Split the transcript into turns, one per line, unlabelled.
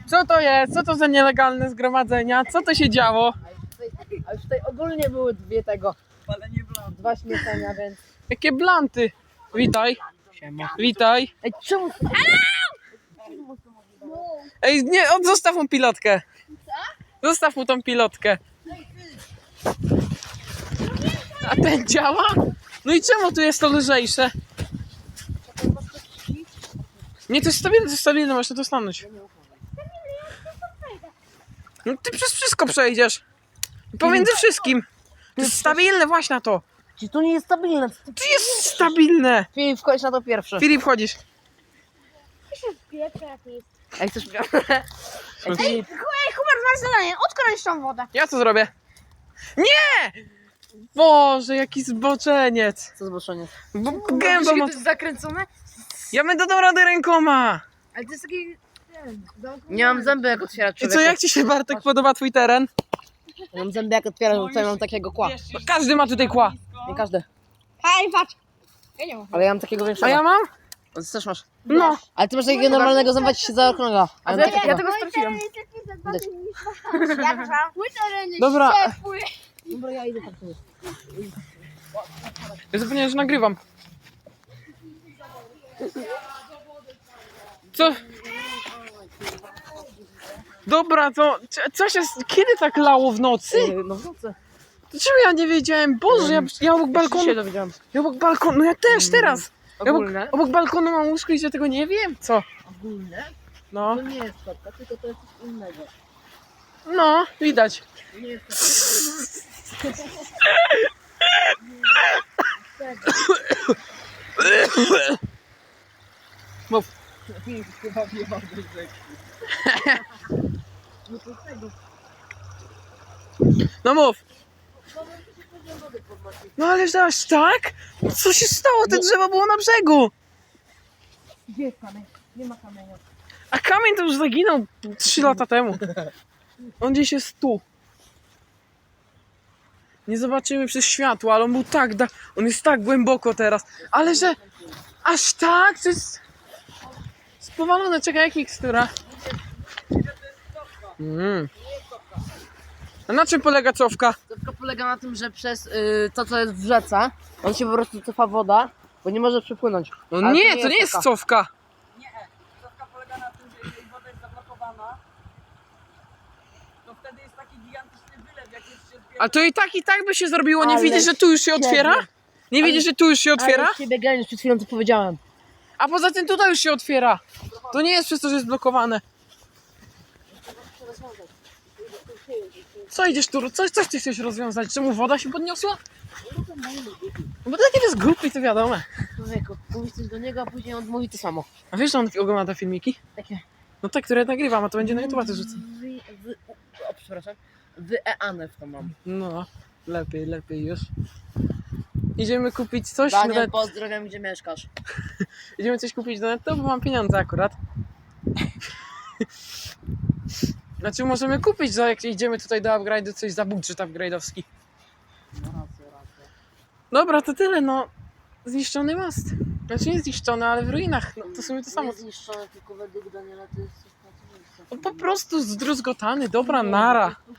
Co to jest? Co to za nielegalne zgromadzenia? Co to się działo?
A już tutaj ogólnie były dwa śmieszenia, więc...
Jakie blanty? Witaj. Witaj.
Ej, czemu...
Ej, nie, zostaw mu pilotkę. Zostaw mu tą pilotkę. A ten działa? No i czemu tu jest to lżejsze? Nie, to jest stabilne, można to stanąć. No ty przez wszystko przejdziesz. Pomiędzy wszystkim. To jest stabilne, właśnie na to.
Czy to nie jest stabilne?
To jest stabilne.
Filip, wchodź na to pierwsze.
Filip, chodzisz.
Ej, chcesz...
Ej,
Filip,
Hubert, masz zadanie, odkręć tą wodę.
Ja co zrobię? Nie! Boże, jaki zboczeniec.
co zboczenie?
Bo gęba ma...
jest zakręcone?
Ja będę dał radę rękoma.
Ale to jest taki...
Nie mam zęby jak otwierać,
I co,
człowieku.
jak ci się, Bartek, podoba twój teren?
Nie mam zęby jak otwierać, bo tutaj mam takiego kła.
Każdy ma tutaj kła.
Nie każdy.
Hej, patrz. Ja nie mam.
Ale ja mam takiego większego.
A ja mam?
Ty też masz.
No.
Ale ty masz takiego normalnego zęba, ci się za okrąga. A ja mam takiego.
tego straciłem.
Dobra.
Dobra, ja idę tak sobie.
Ja zapomniałem, że nagrywam. Co? Dobra, to co się... Kiedy tak lało w nocy?
No w nocy.
To czemu ja nie wiedziałem? Boże, ja obok balkonu...
Się dowiedziałem.
Ja obok balkonu... No ja też teraz. Ja
Ogólne?
obok balkonu mam łóżko i ja tego nie wiem. Co?
Ogólne?
No.
To nie jest kotka, tylko to jest coś innego.
No, widać.
To nie jest kotka.
Mów. No mów. No ależ aż tak? Co się stało? Te drzewo było na brzegu.
Gdzie jest kamień? Nie ma kamienia.
A kamień to już zaginął 3 lata temu. On gdzieś jest tu. Nie zobaczymy przez światło, ale on był tak... On jest tak głęboko teraz. Ale że... Aż tak? To jest... Spowalone. Czekaj, jak mikstura? A na czym polega cofka?
Cofka polega na tym, że przez to, co jest w rzece, on się po prostu cofa woda, bo nie może przepłynąć.
No
Ale
nie, to nie jest cofka.
Cofka polega na tym, że jeżeli woda jest zablokowana, to wtedy jest taki gigantyczny wylew, jak jest się zbiera.
A to i tak by się zrobiło. Nie
Ale
widzisz, że tu już się otwiera? Nie widzisz, że tu już się otwiera?
Ale ciebie geniusz, przed chwilą to powiedziałem.
A poza tym tutaj już się otwiera. To nie jest przez to, że jest blokowane. Co idziesz tu? Coś ty chcesz rozwiązać? Czemu woda się podniosła? No bo takie jest głupi, to wiadomo.
Człowieku, mówisz coś do niego, a później on mówi to samo.
A wiesz, że on ogląda te filmiki?
Takie...
No te, które nagrywam, a to będzie na YouTube też rzucę.
O, przepraszam. Wyeane w to mam.
No, lepiej już. Idziemy kupić coś
Daniel,
nawet.
pozdrawiam, gdzie mieszkasz.
Idziemy coś kupić do netto, bo mam pieniądze akurat. Znaczy możemy kupić, za jak idziemy tutaj do upgrade'u, coś za budżet upgrade'owski. Dobra, to tyle, no. Zniszczony most. Znaczy nie zniszczony, ale w ruinach. No, to w sumie to samo.
Nie zniszczone, tylko według Daniela to jest coś na co miejsce.
No, po prostu zdruzgotany, dobra nara.